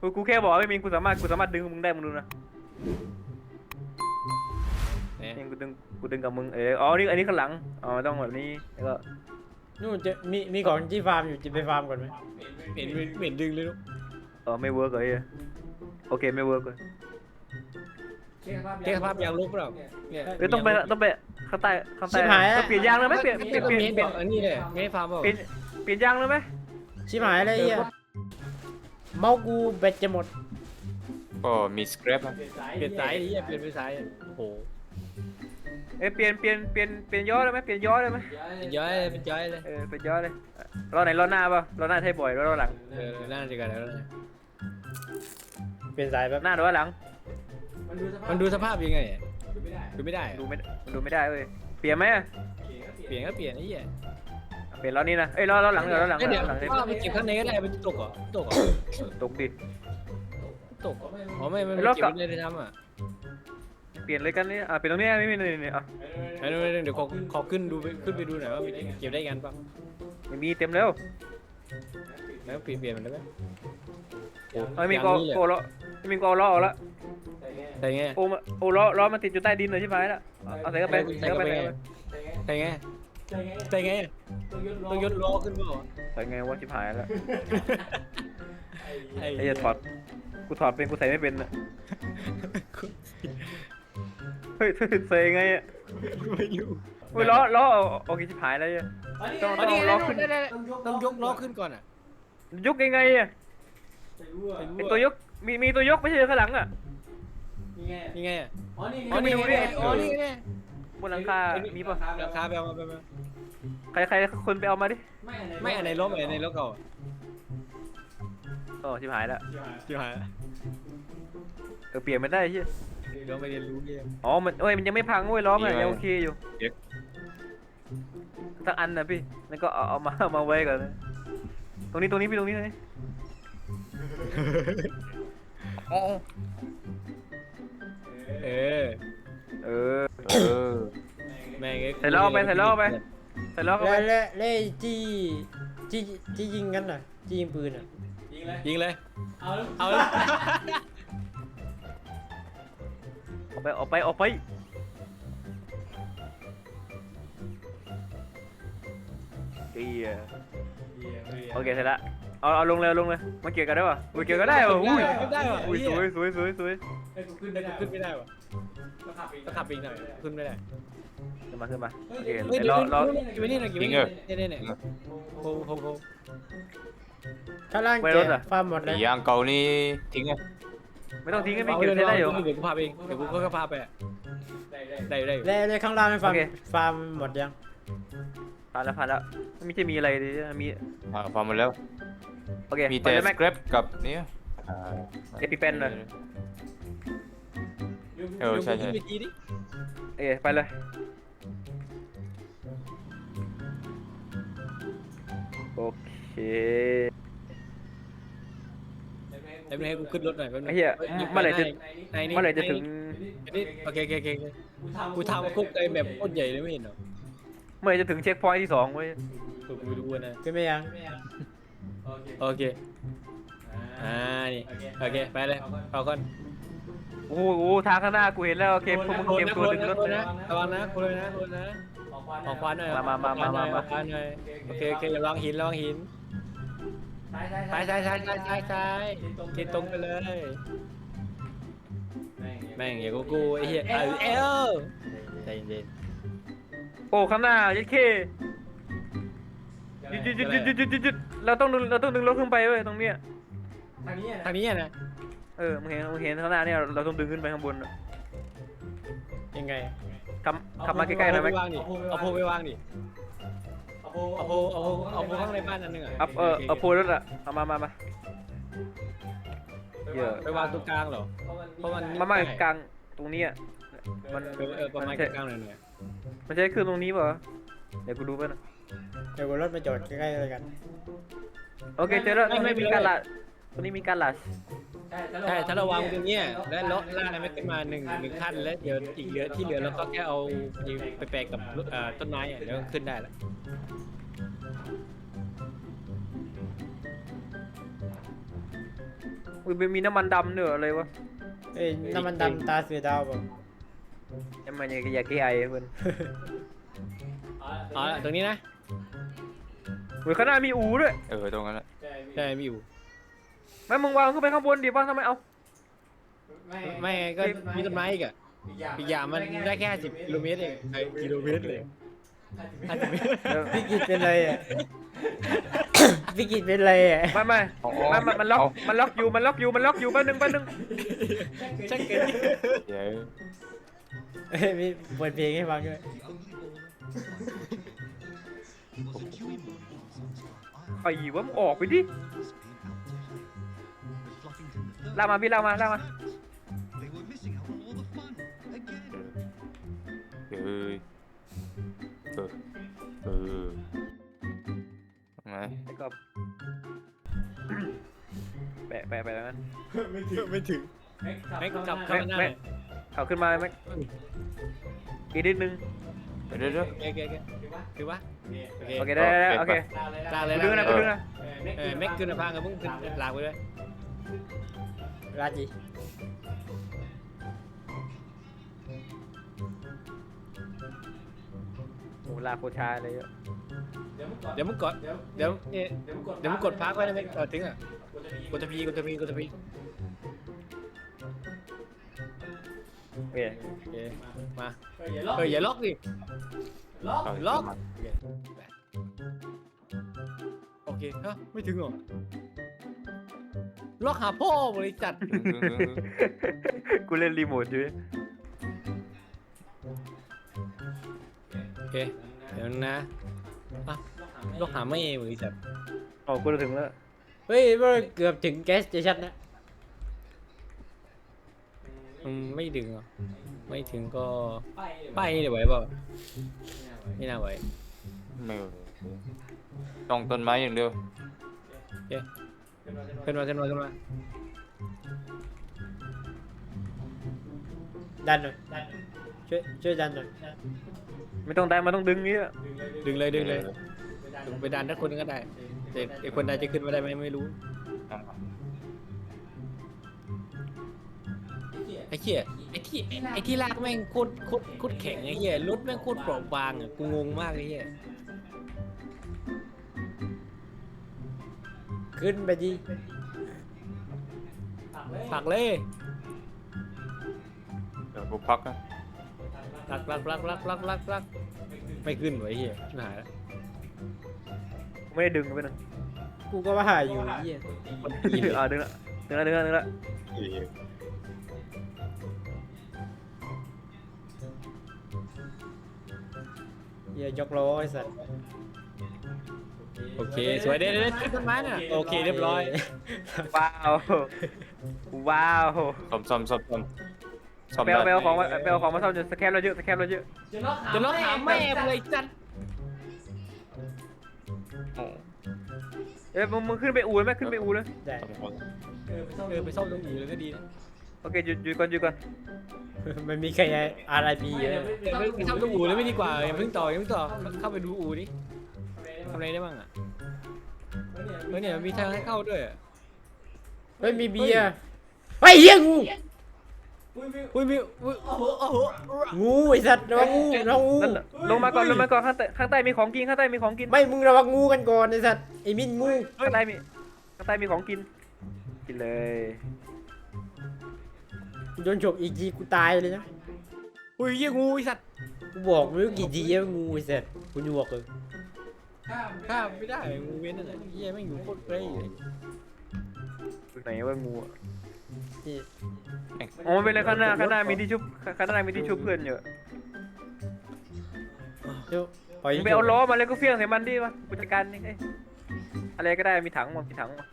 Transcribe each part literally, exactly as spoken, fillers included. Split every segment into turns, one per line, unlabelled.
กูกูแค่บอกว่าไม่มีกูสามารถกูสามารถดึงมึงได้มึงดูนะ
เนี่ย
นี่กูดึงกูดึงกับมึงเอออ๋อนี่อันนี้ข้างหลังอ๋อต้องแบบนี้แล้วก็
นู่นจะมีมีของที่ฟาร์มอยู่จะไปฟาร์มก่อนไหม
เห็นเห็นดึงเลยลูก
เออไม่เวิร์กเลยโอเคไม่เวิร์กเลย
แก้สภาพยางลุกเปล่าเนี่ย
เอ้ยต้องไปต้องไปข้างใต้ข้างใต้
ชิบหาย
เปลี่ยนยางเลยไหมเปลี่ยนเปลี่ยน
ก็
เปลี่ยน
เมน
เปลี่ยน
อันนี้เลยเมนฟาร์มเปล่า
เปลี่ยนเปลี่ยนยางเลยไหม
ชิบหายอะไรเหี้ยเมาส์กูแบตจะหมด
ก็มีสครับนะ
เปลี่ยนสายดิเปลี่ยนไปสายโอ้โห
เอ้ยเปลี่ยนเปลี่ยนเปลี่ยนเปลี่ยนย้อได้ไหมเปลี่ยนย้อได้ไหม
เป็นย้อยเลยเป็นย้อยเลย
เออเปลี่ยนย้อเลยล้อไหนล้อหน้าป่ะล้อหน้าใช้บ่อยล้อหลัง
เออน่าจะกันแล้วนะ
เปลี่ยนสายแป๊บ
หน้าหรือว่าหลัง
มันดูสภาพยังไงดูไม่ได้
ดูไม่มันดูไม่ได้เว้ยเปลี่ยนไหม
เปลี่ยนก็เปลี่ยนไอ้เหี้ย
เปลี่ยนล้อนี้นะเอ้ยล้อล้อหลังเดี๋ยวล้อหลัง
เดี๋ยว
ล้อหลัง
ว่าไปเก็บข้างในก็ได้มันตกเหรอตกเหรอ
ตกดิ
ตกอ๋อไม่มันเก็บไม่ได้ทำอ่ะ
เปลี่ยนเลยกันนี่อ่ะเปลี่ยนตรงนี้ไม่มีนี่นี่อ่ะ
เดี๋ยวขอขอขึ้นดูขึ้นไปดูหน่อยว่าเก็บได้กันป่ะ
ไม่มีเต็มแล้ว
แล้วเปลี่ยนเปลี่ยนมันได้ไหม
ไม่มีกอโกล้อไม่มีกอล้อออกแล้ว
ใส่ไง
โอ้มาโอ้ล้อล้อมันติดอยู่ใต้ดินเลยใช่ไหมล่ะเอาใส่เข้าไปใส่เข้าไป
ใส่ไงใส่ไงต้องยศล้อขึ้นเปล่า
ใส่ไงวะชิบหายแล้ว
ไอ้
ไอ้จะถอดกูถอดเป็นกูใส่ไม่เป็นอ่ะเฮ้ยใส่ไงอ่ะ
ไม่รู้
เฮ้ยล้อล้อโอเคชิบหายแล้วเนี่ยต้องต้องล้อขึ้น
ต้องยกล้อขึ้นก่อนอ่ะ
ยกยังไงอ่ะไอตัวยกมีมีตัวยกไม่ใช่ข้างหลังอ่ะ
ยังไงอ่ะ
อ๋อนี่
อ๋อนี่ไงอ๋อนี่ไง
บนหลังคามีป่ะ
ราคาไปเอามาไปมา
ใครใครคนไปเอามาดิ
ไม่อันไหนล้มอันไหนล้มเก่า
โอ้ชิบหายแล้ว
จิ๋วหาย
เออเปลี่ยนไม่ได้ใช่
เราไปเรียนรู้เรียน
อ๋อมันเอ้ยมันยังไม่พังเว้ยล้อมันยังโอเคอยู่สักอันนะพี่แล้วก็เอาเอามาเอามาไว้ก่อนนะตรงนี้ตรงนี้พี่ตรงนี้เลยอ๋อ
เออ
เออ
เออ
แม่ง
ใส่ล้อไปใส่ล้อไปใส่ล้อเข้า
แล้
ไป
วแล้วแล้วไอ้ที่ที่ที่ยิงกันน่ะที่ยิงปืนอ่ะ
ยิงเลยเอาเอา
ออกไปออกไปออกไปเอียโอเคเสร็จละเอาเอาลงเลยเอาลงเลยมาเกี่ยวกันได้ป่ะอุ้ยเกี่ยวกันได้ป่ะอุ้ย
ได้ป่ะ
อุ้ยสวยสวยสวยสวย
ขึ้นได้ขึ้นไม่ได้ป่ะต้องขับอีกหน่อยขึ้นไม่ได้
ขึ้นมาขึ้นมาโอเค
เฮ้ย
ล้อล้อ
กินไปนี่หน่อยกินไปนี่เนี่ยเนี่ยโฮโฮโฮ
ข้างล่าง
ไว้
แก
รถอะ
ฟาร์มหมดเลย
ยางเก่านี่ทิ้งไง
ไม่ต้องทิ้งให้พี่เก็บใช้ได้อยู่
เดี๋ยวกูพาเองเดี๋ยวกูก็พาไปได้ได้
แล้วแล้วข้างล่างฟาร์ม
โอเค
ฟาร์มหมดยัง
ผ่านแล้วผ่านแล้วไม่ใช่มีอะไรดิมี
อ่าฟังมาแล้ว
โอเค
มี
ไป
แต่
เลย
ส
แม็ก
ครับกับเนี่ยอ่า
เอพิเป็นเลย
เออใช่ใช่
ขึ้นไปทีดิ
เอ้ไปเลยโอเค
ไอ้เมื่อให้กูขึ้นรถหน่อยแป๊บนึ
ไอ้
ง
เหี้ยเมื่อไหร่จะ
ในนี้
เมื่อไหร่จะถึง
โอเคโอเคโอเคกูทำคุกไอ้แบบโคตรใหญ่เลยไม่เห็นหรอ
เมื่อไหร่จะถึงเช็คพอยท์ที่สองเว้ย
กูไปดูนะ
ขึ้นไม่ยัง
โอเคอ่านี่โอเคไปเลยเอาก่อน
โอ้โหทางข้างหน้ากูเห็นแล้วโอเคพวกมึงเตรียมตัวดึงรถ
นะระวังนะคุณเลยนะคุณนะออกควันหน่อยออกควันหน่อยโอเคโอเคอย่าลองหินลองหินซ้ายซ้ายซ้ายซ้ายซ้ายซ้ายกินตรงไปเลยแม่งอย่ากูกูไอ้เหี้ยเออเอลใจเย็น
โอ้ข้างหน้ายัดเคหยุดหยุดหยุดหยุดหยุดหยุดหยุดเราต้องดึงเราต้องดึงรถขึ้นไปเว้ยตรงเนี้ย
ทางนี้นะ
เออมึงเห็นมึงเห็นข้างหน้าเนี่ยเราต้องดึงขึ้นไปข้างบน
ยังไง
ขับขับมาใกล้ๆหน่อยไหม
วางดิเอาโพไปวางดิเอาโพเอาโพเอาโพข้างในบ้านนั่นนึงอ่ะ
เอาเออเอาโพลรถอะเอามามามาเยอะ
ไปวางตรงกลางเหรอเพราะมัน
มามากลางตรงนี้อะมัน
เออเออประมาณกลางๆหน่อย
มันใช้เครื่องตรงนี้ป่ะเดี๋ยวกูดูไปนะ
เดี๋ยวกูรถมาจอดใกล้ๆเลยกัน
โอเคเจอแล้วตรงนี้มีการลาดตรงนี้มีการลาด
ใช่ถ้าเราวางตรงนี้แล้วเลาะล่างอะไรไม่ขึ้นมาหนึ่งหนึ่งขั้นแล้วเดี๋ยวอีกเหลือที่เหลือเราก็แค่เอาไปแปะกับต้นไม้อ่ะเดี๋ยวขึ้นได้แล้ว
อุ้ยมีน้ำมันดำเนอะอะไรวะ
เอ้ยน้ำมันดำตาเสือดาวเปล่า
น้ำมันยาแก้ไอเพื่อน
อ๋อตรงนี้นะ
อุ้ยข้างหน้ามีอูด้วย
เออตรงนั้นแหละ
ใช่ไม่อยู่
ไม่มึงวางขึ้นไปข้างบนดิบ้างทำไมเอา
ไม่ก็มีต้นไม้อีกอะอีกอย่างมันได้แค่สิบกิโลเมตรเองกิโลเมตรเลยห้าสิบเมตร
พี่กิจเป็นไรอ่ะ พี่กิจเป็นไรอ่ะ
ไม่ไม่ไม่ไม่มันล็อกมันล็อกอยู่มันล็อกอยู่มันล็อกอยู่แป๊บนึงแป๊บนึง
ช่างเกิน
เดี๋ยว
เอ้ยมีเปิดเพลงให้ฟังด้วย
ไอ้วะมึงออกไปดิลากมาพี่ลากมาลากมา
เออเออเออมา
ไอ้กบแปะแปะไปแล้วนั้น
ไม่ถึงไม่ถึงแม็กกลับเข้ามาหน้า
แม็กเอาขึ้นมาแม็กอีกนิดนึง
เดี๋ยวเดี๋ยวเดี๋ยว
โอเคโอเคโอเคคือวะ
โอเคได้ได้โอเค
ลากเลย
กูดึงนะกูดึงนะ
เออแม็กขึ้นมาพังกับมึงขึ้นลากไปเลย
ราจี
โหลากโคชาเลยอะ
เดี๋ยวมึงกดเดี๋ยวเดี๋ยวมึงกดพักไว้นะแม็กเออถึงอ่ะกดตะพีกดตะพีกดตะพี
โอเค
โอเคมาเอออย่าล็อกดิ ล็อก
เอา
ล็อก
มา
โอเคฮะไม่ถึงหรอล็อกหาพ่อบริษัท
ดึงดึงดึงดึง
กูเล่นรีโมทอยู่
โอเคเดี๋ยวนะอ่ะล็อกหาไม่บริษัท
อ๋อกูจะถึงแล้ว
เฮ้ยมันเกือบถึงแก๊สสเตชันนะ
อืมไม่ถึงหรอไม่ถึงก็ไปเดี๋ยวไหวเปล่าไม่น่าไหว
ไม่เอาต้องต้นไม้อย่างเดียว
ขึ้นมาขึ้นมาขึ้นมา
ดันหน่อยช่วยช่วยดันหน่อย
ไม่ต้องได้มันต้องดึงนี้อะ
ดึงเลยดึงเลยดึงไปดันถ้าคนนึงก็ได้แต่ไอ้คนใดจะขึ้นมาได้ไหมไม่รู้ไอ้เหี้ยไอ้ที่ไอ้ที่ลากแม่งโคตรโคตรโคตรแข็งไอ้เหี้ยรถแม่งโคตรเปราะบางอ่ะกูงงมากไอ้เหี้ย
ขึ้นไปดิ
ผลักเลย
เดี๋ยวกูพักนะ
ผลักผลักผลักผลักผลักผลักผลักไม่ขึ้นไว้เหี้ยชิบหายแล้ว
กูไม่ได้ดึงไปนึง
กูก็ว่าหาอยู่ไอ้เหี้ย
อ่าดึงละดึงละดึงละดึงละ
เหี้ยยกล้อไอ้สัส
โอเคสวยเด็ดเด็ดขึ้นต้นไม้น่ะโอเคเรียบร้อย
ว้าวว้าว
ซ่อมซ่อมซ่อมซ่อมซ่อม
ไปเอาไป
ได้
เอาของมาไปเอาของมาซ่อมจนสแคปเราเยอะสแคปเราเยอะ
จะล็อกหาแม่เลยจัด
เอ้ยมึงมึงขึ้นไปอู่ไหมขึ้นไปอู่เลย
ได้
ซ่อมซ่อม
เออไปซ่อมตรงอู่เลยก็ดีนะ
โอเคหยุดหยุดก่อนหยุดก่อน
มันมีใคร อาร์ ไอ พี เยอะ
เออไปซ่อมตรงอู่เลยไม่ดีกว่าอย่าเพิ่งต่ออย่าเพิ่งต่อเข้าไปดูอู่ดิทำอะไรได้บ้างอ่ะเออเนี่ยมีทางให้เข้าด้วย
เฮ้ยมีเบียร์เฮ้ยเหี้ยงู
อุ้ยมีอุ้ยโอ้โหโอ้โห
งูไอ้สัตว์ระวังงูระวังงู
นั่นแหละลงมาก่อนลงมาก่อนข้างใต้ข้างใต้มีของกินข้างใต้มีของกิน
ไม่มึงระวังงูกันก่อนไอ้สัตว์ไอ้มินงู
ข้างใต้มีข้างใต้มีของกินกินเลย
กูโดนฉกอีกทีกูตายเลยนะ
อุ้ยเยี่ยงูไอ้สัตว์
กูบอกไม่รู้กี่ทีแล้วงูไอ้สัตว์กูหยวกเลย
ข้ามไม่ได้งูเว้นนั่นแหละเยี่ยแม่งอยู่โคตรไกลเลย
อยู่ไหนว่างูอะ
นี่
อ๋อไม่เป็นไรข้างหน้าข้างหน้ามีที่ชุบข้างหน้ามีที่ชุบเพื่อนอยู่
เดี๋ยวปล่อย
มึงไปเอาล้อมาแล้วก็เฟี้ยงใส่มันดิวะผู้จัดการนี่เอ้ยอะไรก็ได้มีถังมั้งมีถังมั้ง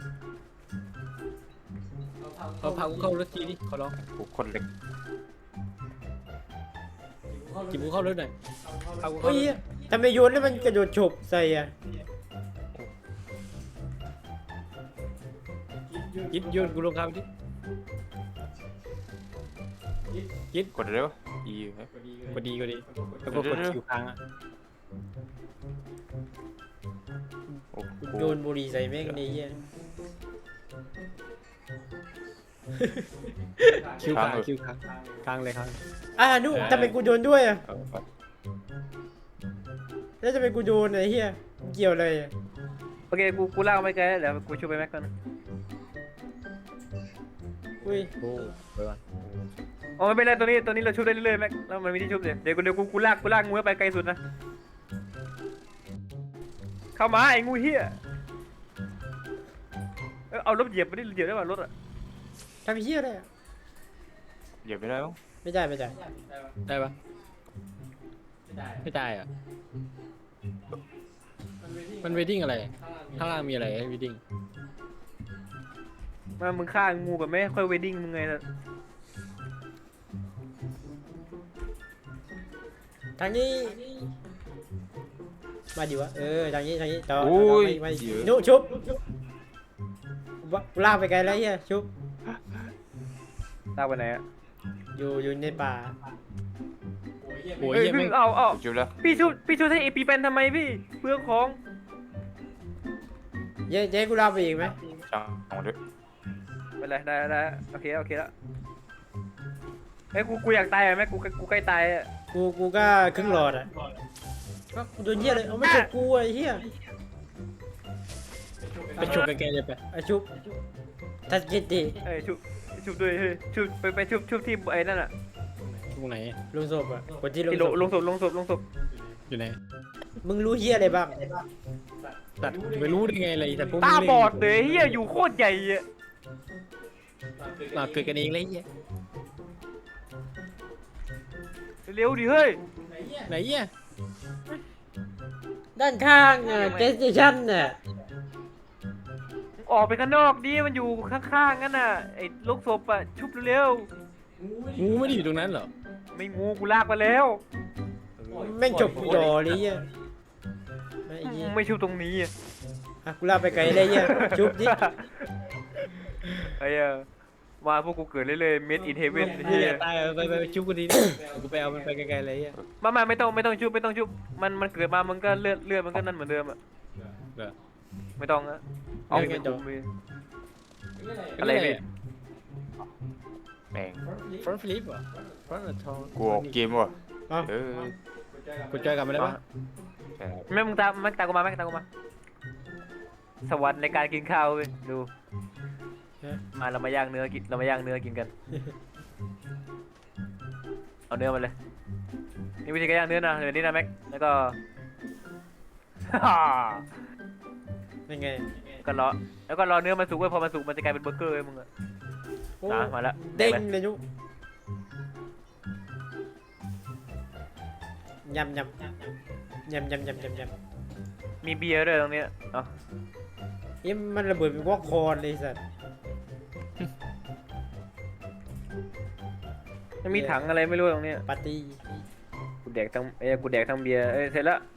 เขาพากูเข้ารถทีดิขอร้อง
กูคนเล็ก
จิบกูเข้ารถหน่อยพากูเข้า
เฮ้ย
รถ
ทำไมโยนแล้วมันกระโดดฉกใส่อะ
ยิดโยนกูลงคำดิยิด
กดเร็วอีเฮ้ย
ก็ดีก็ดีแล้วก็กดคิวค้างอ่ะ
โอ้โห
โยนบุหรี่ใส่แม่งในเหี้ย
คิวค้างคิวค้างค้างเลยครับ
อ่านุทำไมกูโดนด้วยอ่ะ
เออไป
แล้วทำไมกูโดนไอ้เหี้ยเกี่ยวอะไรอ่ะ
โอเคกูกูลากไปไกลแล้วเดี๋ยวกูช่วยไปแม็กก่อน
อุ้ย
โอ้ไปวะ
อ๋อไม่เป็นไรตัวนี้ตัวนี้เราชุบได้เรื่อยๆแม็กแล้วมันมีที่ชุบเดี๋ยวเดี๋ยวกูเดี๋ยวกูกูลากกูลากงูไปไกลสุดนะเข้ามาไอ้งูเหี้ยเออเอารถเหยียบไปดิเหยียบได้ป่ะรถอ่ะ
ทำเหี้ยอะไรอ่ะ
เหยียบไม่ได้หรอ
ไม่ได้ไม่ได้
ได้ปะไม่ได้อะมันเวดดิ้งอะไรข้างล่างมีอะไรให้เวดดิ้ง
มามึงฆ่างูกับแม่ค่อยเวดดิ้งมึงไงล่ะ
ทางนี้มาดิวะเออทางนี้ทางนี้ต่อ
โอ้ย
มา
เยอะ
นุชุบวะกูลากไปไกลแล้วเหี้ยชุบ
ลากไปไหนอ่ะ
อยู่อยู่ในป่า
โอ้ย
เฮ้ย
เหี้ย
พี่
แม่ง
เอาเอา
จุบแล้ว
พี่ชุบพี่ชุบให้เอปีเป็นทำไมพี่เพื่อของ
เย้เย้กูลากไปอีกไหม
ช่างเอาด้วย
ไปเลยได้ได้โอเคโอเคแล้วเฮ้ยกูกูอยากตายอ่ะแม่กูกูใกล้ตายอ่ะ
กูกูก็ครึ่งหลอดอ่ะก็กูโดนเหี้ยเลยเอาไม่ชุบกูไอ้เหี้ย
ไปฉุกไกลๆเลยไป
ไอ้ชุบทัศกิติ
เอ้ยชุบชุบด้วยเฮ้ยชุบไปไปชุบชุบที่ไอ้นั่นอ่ะ
ตรงไหน
ลงศพอ่ะคนที่ลง
ที่
ศ
ล
พ
งลงศพลงศพลงศพ
อยู่ไหน
มึงรู้เหี้ยอะไรบ้าง
ตัดไม่รู้ได้ไงเลยแต่พวก
ตา
มึง
บอดเลยเฮียอยู่โคตรใหญ่อ่ะ
มาเกิดกันเองเลยเหี้ย
เร็วดิเฮ้ย
ไหนเหี้ย
ด้านข้างอ่ะเกสเตชันน่ะ
ออกไปข้างนอกดิมันอยู่ข้างๆงั้นน่ะไอ้ลูกศพอ่ะชุบเร็ว
งูไม่ได้อยู่ตรงนั้นเหรอ
ๆไม่งูกูลากไปแล้ว
แม่งจบกูดอเลยเหี้ยไอ้เหี้ย
ไม่ชุบตรงนี้อ่ะ
อ่ะกูลากไปไกลเลยเหี้ยชุบดิ
ไอ้เหี้ยมาพวกกูเกิดเรื่อยๆ made in heaven
เหี้
เฮี
ย
ย
ตายเอาไปไปไปชุบกูดีกูไปเอามันไปไกลๆเลยเหี้ย
มามาไม่ต้องไม่ต้องชุบไม่ต้องชุบมันมันเกิดมามันก็เลือดเลือดมันก็นั่นเหมือนเดิมอ่ะ
เหรอ
ไม่ต้องอะเอาไปจุ่มไป อะไรพี่
แม่ง
ฟรอนต์ฟลิปเหรอฟรอนต์ทอง
กูออกเกมว่ะ
อ่ะ
เออ
กูเจอกันมาได้ปะ
ใช่ครับ
แม่มึงตามแม่งตามกูมาแม่งตามกูมา สวรรค์ในการกินข้าวเว้ยดูมาเรามาย่างเนื้อกินเรามาย่างเนื้อกินกัน เอาเนื้อมาเลยนี่วิธีการย่างเนื้อนะเดี๋ยวนี้นะแม็กแล้วก็
เป็นไง
ก็รอแล้วก็รอเนื้อมันสุกไว้พอมันสุกมันจะกลายเป็นเบอร์เกอร์เว้ยมึงอะ
โอ้
นะมาแล้ว
เด้งเลยนุยำยำยำยำยำยำยำ
มีเบียร์ด้วยตรงเนี้ยเอ๋อ
เอ๊ะมันระเบิดเป็นวอกคอนเลยสัตว์
มันมีถังอะไรไม่รู้ตรงเนี้ย
ปาร์ตี้
กูแดกทั้งเอ้ยกูแดกทั้งเบียร์เอ้ยเสร็จแล้ว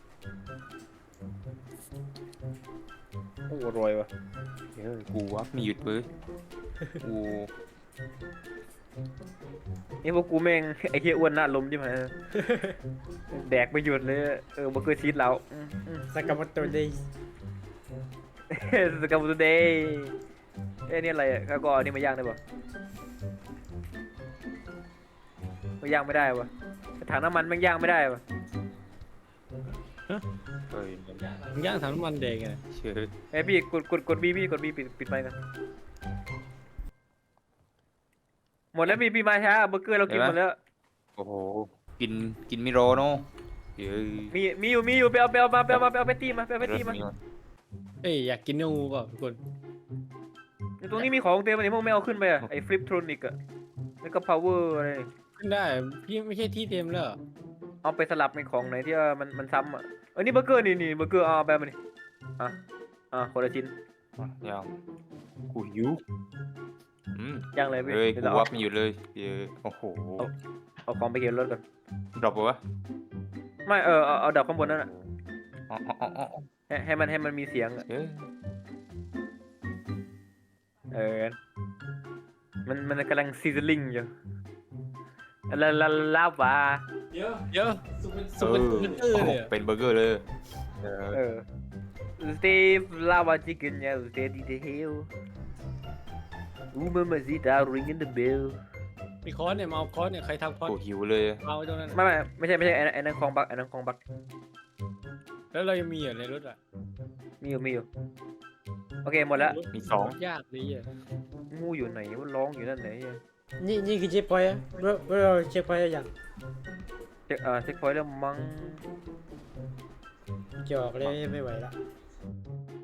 โอ้อร่อยว่ะ
เออกูวะมีหยุดปื้อกู
นี่พวกกูแม่ง ไอ้เหี้ยอ้วนหน้าลมใช่ไหมแดกไปหยุดเลยเออเบอร์เกอร์ชีสเราอืมอืม
สกัมโมโตเดย์
สกัมบูเดย์เอ้ยนี่อะไรอ่ะข้าวก็เอานี่มาย่างได้ป่ะมาย่างไม่ได้ป่ะถังน้ำมันแม่งย่างไม่ได้ป่ะ
เฮ้ย
มึงย่างถังน้ำมันแดงไง
เชื่อ
เอ้ยพี่กดกดกดบีพี่กดบีปิดปิดไปกันหมดแล้วพี่พี่มาช้าเบอร์เกอร์เรากินหมดแล้ว
โอ้โหกินกินมิโรเนาะเฮ้ย
มีมีอยู่มีอยู่ไปเอาไปเอามาไปเอามาไปเอาไปตีมาไปเอาไปตีมา
เอ้ยอยากกินเนื้องูเปล่าทุกคน
อยู่ตรงนี้มีของเต็มเลยพวกไม่เอาขึ้นไปอ่ะไอ้ฟลิปทรอนิกอ่ะแล้วก็พาวเวอร์อะไร
ขึ้นได้พี่ไม่ใช่ที่เต็มแล้วเหรอ
เอาไปสลับในของไหนที่ว่ามันมันซ้ำอ่ะเออนี่เบอร์เกอร์นี่นี่เบอร์เกอร์เอาไปมาดิอ่ะอ่ะคนละชิ้น
ยังกูหิวอืม
ย่างเลยพี่
เฮ้ย
เดี๋ยว
กู
เรา
วั
เอา
บมีอยู่เลยเฮ้ยโอ้โห
เอาของไปเก็บรถก่อน
ดรอปปะวะ
ไม่เออเอาเอาดับข้างบนนั่นอ่ะ
อ๋ออ๋ออ๋ออ๋อ
ให้ให้มันให้มันมีเสียงอ่ะ
เฮ้ย
เออมันมันกำลังซีซลิงอยู่ลาลาลาวา
เยอะสุก
เอ
เป็น
อ
สุกเป็นเตอร์เลยอะ
เป็นเบอร์เกอร์เลยเออ
เออสเตฟลาวาชิคเก้นเนี่ยสเตดีเทลอูมามาซิตา ringing the bell
มีค้อนเนี่ยมาเอาค้อนเนี่ยใครทำค้อน
โอ้หิวเลย
เอาไว้ตรงนั้น
ไม่ไม่ไม่ใช่ไม่ใช่ไอ้นั่นไอ้นั่นคลองบักไอ้นั่นคลองบัก
แล้วเรายังมีอยู่ในรถอ่ะ
มีอยู่มีอยู่โอเคหมดแล้ว
มีสอง
ยากดีอ่ะ
งูอยู่ไหนมันร้องอยู่นั่นไหนอะ
นี่นี่คือเช็คพอยต์อะเราเราเช็คพอยต์อย่าง
เช็คเอ่อเช็คพอยต์แล้วมั้ง
จอกเลยไม่ไหวละ